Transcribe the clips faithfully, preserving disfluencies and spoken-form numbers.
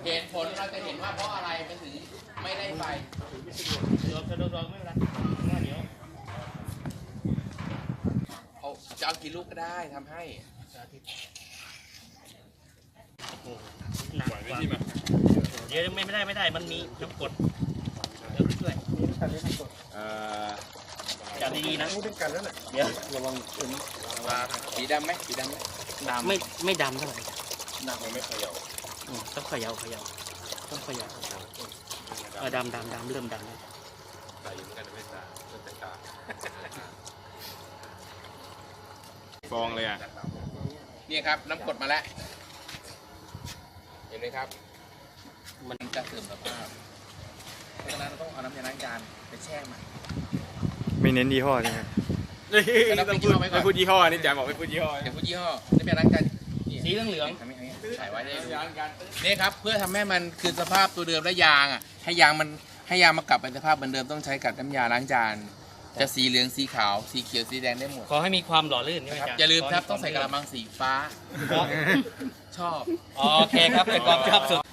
เหตุผลเราจะเห็นว่าเพราะอะไรมันถึงไม่ได้ไฟโดนโดนโดนไม่เป็นไรเดี๋ยวเอาจะเอากี่ลูกก็ได้ทำให้หนักกว่าเดี๋ยวไม่ได้ไม่ได้มันมีน้ำกรดเดี๋ยวช่วยจับดีๆนะเดี๋ยวระวังเป็นสีดำไหมสีดำไหมดำไม่ไม่ดำเท่าไหร่ดำมันไม่เขย่าต้องเขย่าเขย่าต้องเขย่าเออดำดำดำเริ่มดำแล้วใส่เหมือนกันไม่ตาเริ่มแต่ตาฟองเลยอ่ะนี่ครับน้ำกรดมาแล้วเห็นไหมครับมันจะเสื่อมสภาพเพราะฉะนั้นเราต้องเอาน้ำยาล้างจานไปแช่มันไม่เน้นยี่ห้อใช่ไหมต้องพูดไม่พูดยี่ห้อนี่แจมบอกไม่พูดยี่ห้อเดี๋ยวพูดยี่ห้อน้ำยาล้างจานสีเหลืองเหลืองถ่ายไว้ได้ดูนี่ครับเพื่อทำให้มันคืนสภาพตัวเดิมและยางอ่ะให้ยางมันให้ยางมากลับเป็นสภาพเหมือนเดิมต้องใช้กับน้ำยาล้างจานจะสีเหลืองสีขาวสีเขียวสีแดงได้หมดขอให้มีความหล่อลื่นนะครับอย่าลืมครับต้องใส่กระมังสีฟ้าชอบโอเคครับเป็นความชอบสุด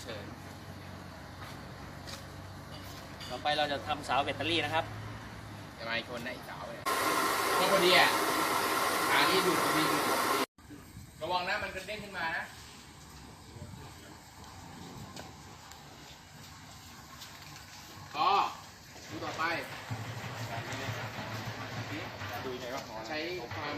ต่อไปเราจะทำเสาแบตเตอรี่นะครับจะมาอีกคนนะอีกสาวเลยนี่พอดีอ่ะขานี้ดูพอดีระวังนะมันกระเด้งขึ้นมานะต่อดูต่อไปใช้ความ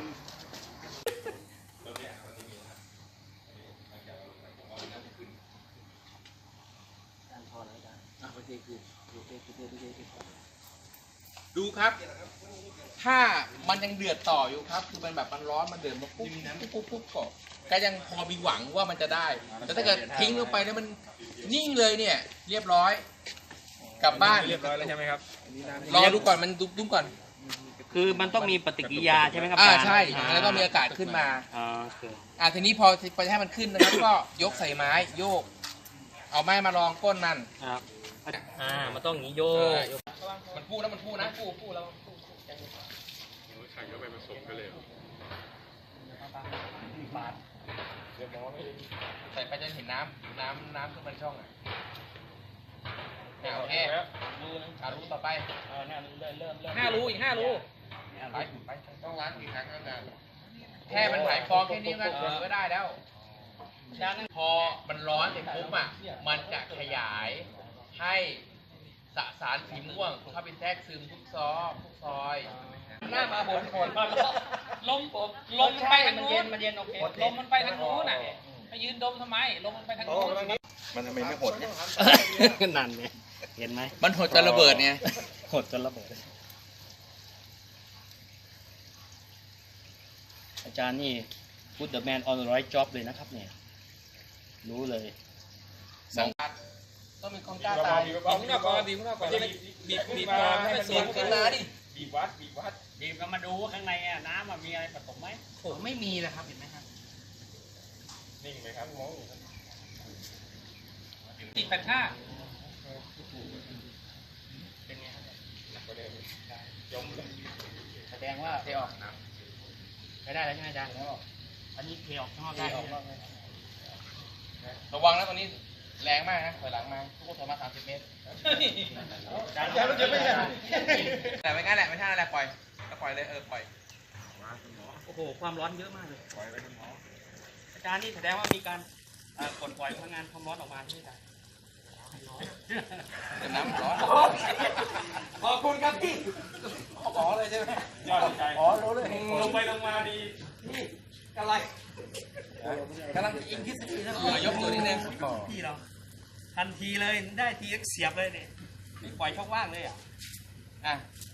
ดูครับถ้ามันยังเดือดต่ออยู่ครับคือมันแบบมันร้อนมันเดือดมาปุ๊บปุ๊บปุ๊บก็ก็ยังพอมีหวังว่ามันจะได้แต่ถ้าเกิดทิ้งลงไปแล้วมันนิ่งเลยเนี่ยเรียบร้อยกลับบ้านเรียบร้อยแล้วใช่ไหมครับรอดูก่อนมันดุ้มก่อนคือมันต้องมีปฏิกิริยาใช่ไหมครับอ่าใช่แล้วก็มีอากาศขึ้นมาอ่าโอเคอ่าทีนี้พอไปให้มันขึ้นนะครับก็ยกใส่ไม้โยกเอาไม้มารองก้นมันครับอ่ามันต้องอย่างนี้โยกมันพูดแล้วมันพูดนะพูดพูดแล้วขันก็ไปผสมกันเลยใส่ไปจนเห็นน้ำน้ำน้ำขึ้นมันช่องอ่ะเนี่ยโอเคอารู้ต่อไปห้ารูอีกห้ารูไปไปต้องล้างกี่ครั้งก็นานแค่มันหายฟองแค่นี้ก็ก็ได้แล้วพอมันร้อนเสร็จปุ๊บอ่ะมันจะขยายให้สสารสีม่วงเข้าไปแทรกซึมทุกซอกทุกซอยหน้ามาบนคนลมลมมันไปทางนู้นมันเย็นโอเคลมมันไปทางนู้นน่ะไปยืนดมทำไมลมมันไปทางนู้นมันทำไมไม่หดเนี่ยนั่นไงเห็นไหมมันหดจนระเบิดไงหดจนระเบิดอาจารย์นี่ put the man on the right job เลยนะครับเนี่ยรู้เลยสองต้องมีความกล้าตายบีบข้างนอกก่อนบีบข้างนอกก่อนบีบบีบมาให้มันเสียงขึ้นมาดิบีบวัดบีบวัดบีบก็มาดูข้างในอ่ะน้ำมันมีอะไรผสมไหมผมไม่มีเลยครับเห็นไหมครับนิ่งไหมครับมองติดแปดห้าเป็นไงยมเลยแสดงว่าเทออกนะไม่ได้แล้วใช่ไหมอาจารย์อันนี้เทออกข้างนอกได้ระวังนะตรงนี้แรงมากนะถอยหลังมาทุกคนถอยมาสามสิบเมตรแต่ไม่งั้นแหละไม่ใช่อะไรปล่อยก็ปล่อยเลยเออปล่อยโอ้โหความร้อนเยอะมากเลยอาจารย์นี่แสดงว่ามีการกดปล่อยพลังงานความร้อนออกมาใช่ไหมเดี๋ยวน้ำร้อนขอบคุณครับพี่ขอเลยใช่ไหมยอดใจอ๋อรู้เลยลงไปลงมาดีนี่อะไรกำลังอินทฤษฎีนะยกตัวนิดนึงพี่เราทันทีเลยได้ทีเสียบเลยเนี่ยปล่อยช่องว่างเลยอ่ะอ่ะ